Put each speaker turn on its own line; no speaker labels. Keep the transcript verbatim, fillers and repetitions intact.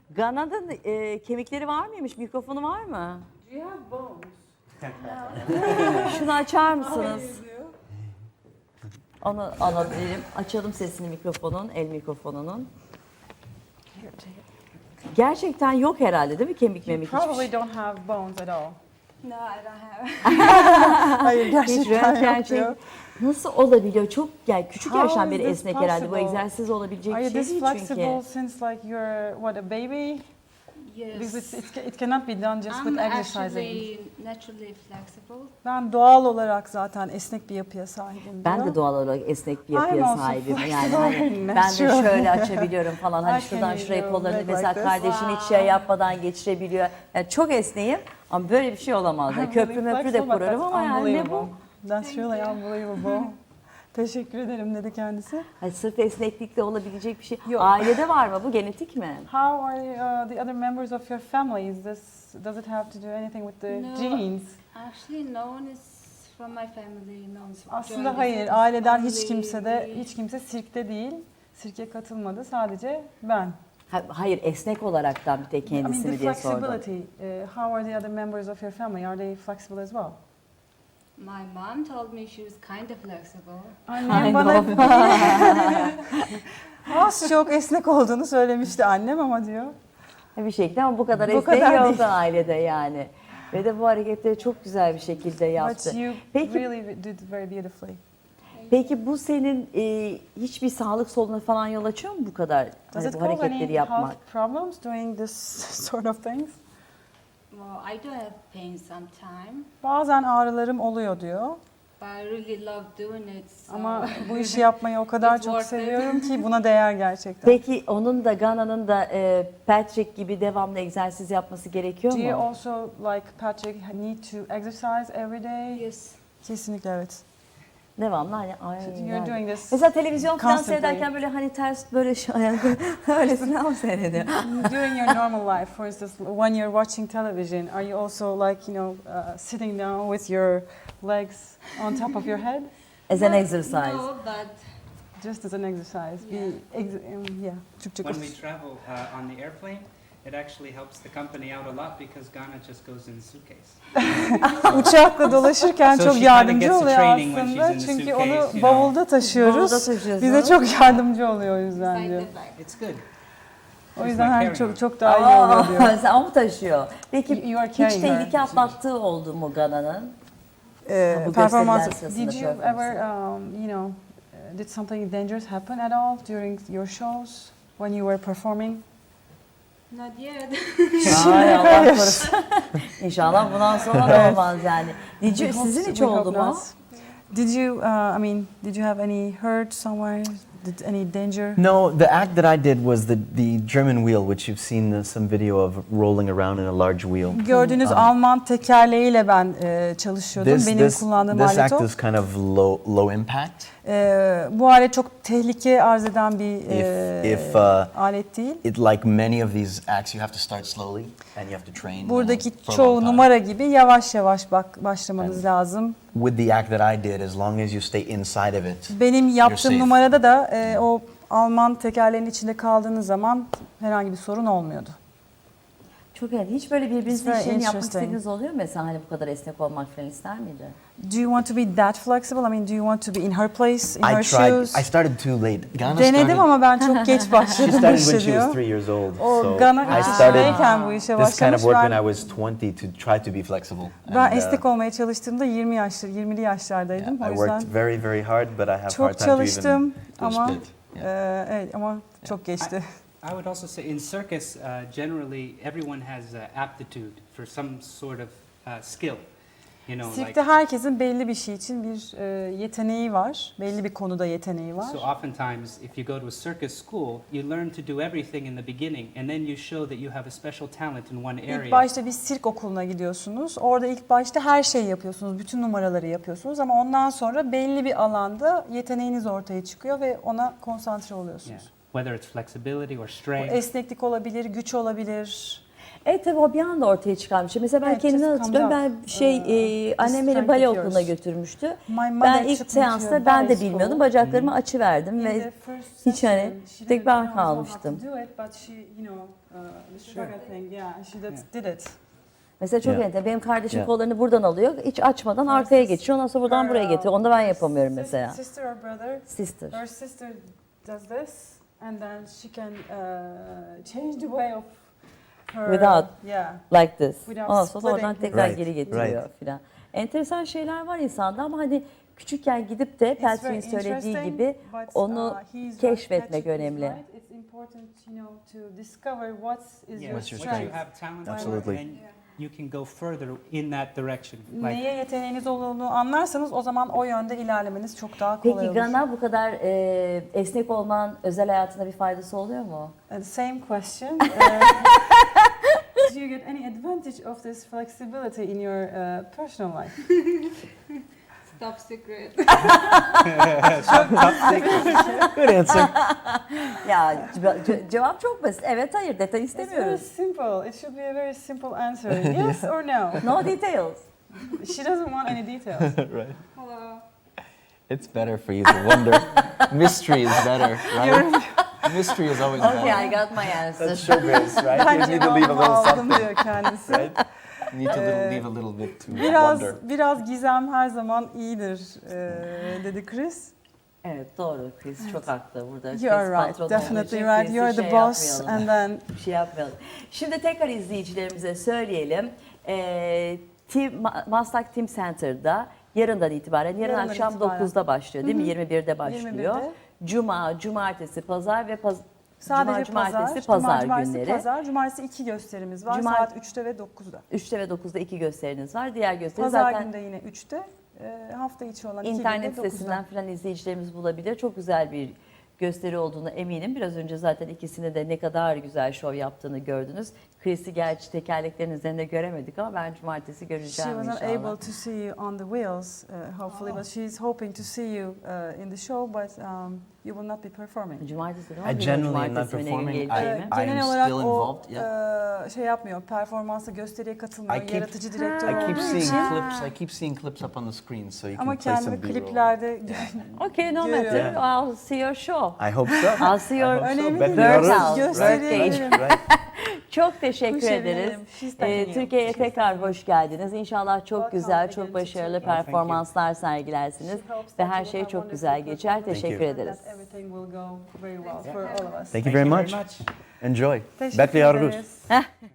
Gana'nın e, kemikleri var mıymış? Mikrofonu var mı?
Do you have bones?
Şunu açar mısınız? Onu alabilirim. Açalım sesini mikrofonun, el mikrofonunun. Gerçekten yok herhalde değil mi kemik
You
memik hiçbir
probably
şey?
don't have bones at all.
No, I don't have.
Hayır
Hiç
gerçekten
röntgen
yok
şey
diyor.
nasıl olabiliyor? Çok yani küçük
How
yaştan
is
beri
this
esnek herhalde. Bu
possible?
egzersiz olabilecek
Are
bir
you
şey
this
değil
flexible
çünkü.
since like you're what a baby?
Yes.
Because it's, it's, it cannot be done just
I'm
with exercising.
actually naturally flexible.
Ben doğal olarak zaten esnek bir yapıya sahibim
Ben
diyor.
de doğal olarak esnek bir
I'm
yapıya
also
sahibim. Yani
flexible
hani
and
ben de
natural.
şöyle açabiliyorum falan. Hani
I
şuradan
can
şuraya
do
kollarını
leg like
mesela
this.
kardeşim hiç şey yapmadan geçirebiliyor. Yani çok esneyim ama böyle bir şey olamaz. Yani
I'm
köprü
really
möprü de
flexible, but
kurarım
that's
ama yani ne bu?
unbelievable. That's really unbelievable. Teşekkür ederim dedi kendisi.
Hani sırf esneklikle olabilecek bir şey.
Yok.
Ailede var mı bu? Genetik mi?
How are uh, the other members of your family? Is this does it have to do anything with the
No.
genes?
Actually, no one is from my family. No one's joined
Aslında
the
hayır,
circus
aileden hiç
family.
kimse de hiç kimse sirkte değil. Sirke katılmadı. Sadece ben.
Ha- Hayır, esnek olaraktan bir tek
I mean
kendisi
the
mi diye sordum.
flexibility. Uh, how are the other members of your family? Are they flexible as well?
My mom told me she was kind of flexible.
Annem
Kind
bana
of.
az çok esnek olduğunu söylemişti annem ama diyor.
Bir şekilde ama bu kadar
Bu
esnek
kadar
yoktu
değil.
ailede yani. Ve de bu hareketleri çok güzel bir şekilde yaptı.
But you
Peki,
really did very beautifully.
peki bu senin e, hiçbir sağlık sorunu falan yol açıyor mu bu kadar
Does
hani
it
bu
cause
hareketleri
any
yapmak?
health problems doing this sort of things?
Well, I do have pain sometimes,
Bazen ağrılarım oluyor diyor.
but I really love doing it. So
Ama bu işi yapmayı o kadar
It's
çok
worth it.
seviyorum ki buna değer gerçekten.
Peki onun da Gana'nın da e, Patrick gibi devamlı egzersiz yapması gerekiyor
Do you
mu?
also like Patrick need to exercise every day?
yes.
Kesinlikle evet.
Devamlı hani ay,
You're
yani.
doing this
Mesela televizyon falan
constantly.
seyrederken böyle hani ters böyle şey öylesine mi seyrediyor?
during your normal life. For instance, when you're watching television, are you also like, you know, uh, sitting down with your legs on top of your head?
As an
No,
exercise.
No, but
Just as an exercise. Be ex um, yeah. Türkçe
When
konuş.
we travel uh, on the airplane, it actually helps the company out a lot because Ghana just goes in the suitcase.
Uçakla dolaşırken
So
çok
she kinda
yardımcı
gets the
oluyor
training when
aslında.
she's in the
Çünkü
suitcase,
onu
you know.
bavulda taşıyoruz.
Bavulda taşıyorsunuz.
Bize çok yardımcı oluyor o yüzden
beside
diyor.
the bag.
It's good.
O
It's
yüzden
like
her
carrying
çok
on.
çok daha iyi oluyor diyor.
Aa, sen o mu taşıyor? Peki
You- you are
hiç
carrying her.
tehlike atlattığı oldu mu Gana'nın?
Ee,
Bu
performans.
gösteriler sırasında
Did you
performansı.
ever, um, you know, uh, did something dangerous happen at all during your shows when you were performing?
Not yet.
Ay Allah korusun. İnşallah bundan sonra da olmaz yani. Did you,
We hope-
sizin hiç
we hope
oldu mu?
not. Did you, uh, I mean, did you have any hurt somewhere? Did any danger?
No, the act that I did was the, the German wheel, which you've seen the, some video of rolling around in a large wheel.
Gördüğünüz
Um,
Alman tekerleğiyle ben e, çalışıyordum.
This,
Benim
this,
kullandığım
this
alet
act
o.
is kind of low, low impact.
E, bu alet çok tehlike arz eden bir e,
If- if, uh,
alet değil.
It, like many of these acts, you have to start slowly and you have to train uh,
Buradaki
for a long
çoğu
time.
numara gibi yavaş yavaş bak başlamanız
Evet.
lazım.
With the act that I did, as long as you stay inside of it,
Benim yaptığım
safe.
numarada da e, o Alman tekerleğin içinde kaldığınız zaman herhangi bir sorun olmuyordu.
Çok iyi. Hiç böyle
It's
birbirinizin
very
işlerini yapmak
interesting.
istediğiniz oluyor mu? Mesela hani bu kadar esnek olmak falan ister miydi?
Do you want to be that flexible? I mean, do you want to be in her place, in
I
her
tried.
shoes?
I started too late. Ghana
Denedim
started,
ama ben çok geç
she
başladım bu
started
işe
when she was
diyor.
three years old.
O
So
Gana
I started
küçükteyken bu işe
this kind
başlamış.
of work when
Ben,
I was twenty to try to be flexible.
ben
And, uh,
esnek olmaya çalıştığımda yirmi yaşlı, yirmili yaşlardaydım.
yeah, I
O
worked
yüzden
very, very hard, but I have
çok
hard time to even
çalıştım
do a
ama
split. Yeah.
e, evet ama çok geçti.
I would also say in circus, uh, generally everyone has uh, aptitude for some sort of uh, skill. You know, like
Sirkte herkesin belli bir şey için bir e, yeteneği var. Belli bir konuda yeteneği var.
so oftentimes if you go to a circus school, you learn to do everything in the beginning and then you show that you have a special talent in one area.
İlk başta bir sirk okuluna gidiyorsunuz. Orada ilk başta her şeyi yapıyorsunuz. Bütün numaraları yapıyorsunuz ama ondan sonra belli bir alanda yeteneğiniz ortaya çıkıyor ve ona konsantre
Yeah.
oluyorsunuz.
Whether it's flexibility or
Bu
strength.
esneklik olabilir, güç olabilir.
Evet tabii o bir anda ortaya çıkan bir şey. Mesela ben
Evet,
kendimi
just
hatırlıyorum.
comes
Ben
up.
şey
Uh,
e, annem beni
strength
bale
of
okuluna
yours.
götürmüştü.
My mother
Ben ilk
took me to a
seansta ben de
ballet
bilmiyordum.
school.
Bacaklarımı açı verdim
In
ve
the first
hiç hani
session, she
tek
didn't
ben
know how to
kalmıştım.
do it, but she, you know, uh, the
Sure.
Shraga thing, yeah, she did, did it.
Mesela çok
Yeah.
enteresan. Benim kardeşim
Yeah.
kollarını buradan alıyor. Hiç açmadan arkaya geçiyor. Ondan sonra buradan
Her,
buraya
uh,
getiriyor. Onu da ben
sis-
yapamıyorum
sis-
mesela.
Sister or brother,
Sister.
her sister does this, and then she can uh, change the way of her.
Without.
Yeah.
Like this.
Without
Ondan sonra oradan
splitting.
tekrar
Right,
geri getiriyor filan. Enteresan şeyler var insanda ama hani küçükken gidip de
It's very
Peltrin'in söylediği
interesting,
gibi
but,
onu
uh, he's right,
keşfetmek
Patrick is
önemli.
right. It's important, you know, to discover what is
Yeah,
your
What's your
what you
strength.
have talent for,
Absolutely.
and you can go further in that direction. Like,
Neye yeteneğiniz olduğunu anlarsanız o zaman o yönde ilerlemeniz çok daha kolay
Peki
olur.
Gana bu kadar e, esnek olman özel hayatında bir faydası oluyor mu?
Uh, the same question. Uh, do you get any advantage of this flexibility in your uh, personal life?
Top secret.
Good answer.
Ya ce- ce- cevap çok basit. Evet hayır detay
It's very
istemiyoruz.
simple. It should be a very simple answer. Yes or no?
No details.
She doesn't want any details.
Right.
Hello.
It's better for you to wonder. Mystery is better, right? Mystery is always
Okay, I
better.
got my answer.
That's showbiz, right? You
Ben
need to leave a
cevabımı
little
aldım
something,
diyor kendisi.
right? You need to little,
Ee,
leave a little bit to
Biraz
wonder.
biraz gizem her zaman iyidir e, dedi Chris.
Evet doğru Chris çok haklı burada. Chris
You are right,
patron
definitely
olduğu için
right.
Chris'i
You're the
şey
boss,
yapmayalım.
and then
Bir şey yapmayalım. Şimdi tekrar izleyicilerimize söyleyelim. Ee, Team, Ma- Maslak Team Center'da yarından itibaren, yarın
Yarından
akşam
itibaren.
dokuzda başlıyor değil mi? yirmi birde başlıyor.
yirmi birde.
Cuma, cumartesi, pazar ve paz
sadece
Cuma,
pazar,
cumartesi, pazar
cumartesi,
günleri.
pazar, cumartesi iki gösterimiz var.
Cumar-
Saat üçte ve dokuzda.
üçte ve dokuzda iki gösteriniz var. Diğer gösteri
Pazar
zaten
günü de yine üçte. E, hafta içi olan iki
İnternet
günde dokuzda.
sitesinden falan izleyicilerimiz bulabilir. Çok güzel bir gösteri olduğunu eminim. Biraz önce zaten ikisini de ne kadar güzel şov yaptığını gördünüz. Chris'i gerçi tekerleklerin üzerinde göremedik ama ben cumartesi
She
göreceğim
wasn't
inşallah.
able to see you on the wheels, uh, hopefully, but she's hoping to see you uh, in the show, but um, you will not be performing.
Cumartesi değil mi?
I
Bilmiyorum
generally am not
cumartesi mi, ne gün
performing. I-
geleceğimi.
I am
Genel olarak
still
o
involved, yeah.
e, şey yapmıyor, performansa gösteriye katılmıyor,
I keep-
yaratıcı direktör
I keep
olduğu
seeing
için.
clips. I keep seeing clips up on the screen, so you
Ama
can play some
kendimi
B-roll.
kliplerde
Okay, no
Görüyorum.
matter. I'll see your show.
I hope so.
I'll see your...
I hope so.
Önemli
Bet
değil,
Workout,
biliyoruz.
gösteriye
Right, right.
Çok teşekkür
Sevindim.
ederiz.
She's
Ee,
thanking you.
Türkiye'ye tekrar hoş geldiniz. İnşallah çok
Welcome
güzel,
again
çok
to
başarılı
Turkey.
Thank you.
performanslar sergilersiniz.
She hopes
Ve
that
her
you will
şey
have
çok
wonderful
güzel geçer.
performances
Teşekkür
and
ederiz.
that everything will go very well for all of us.
Thank you
thank
very much. Enjoy.
Teşekkür
Bet biliyoruz.
ederiz.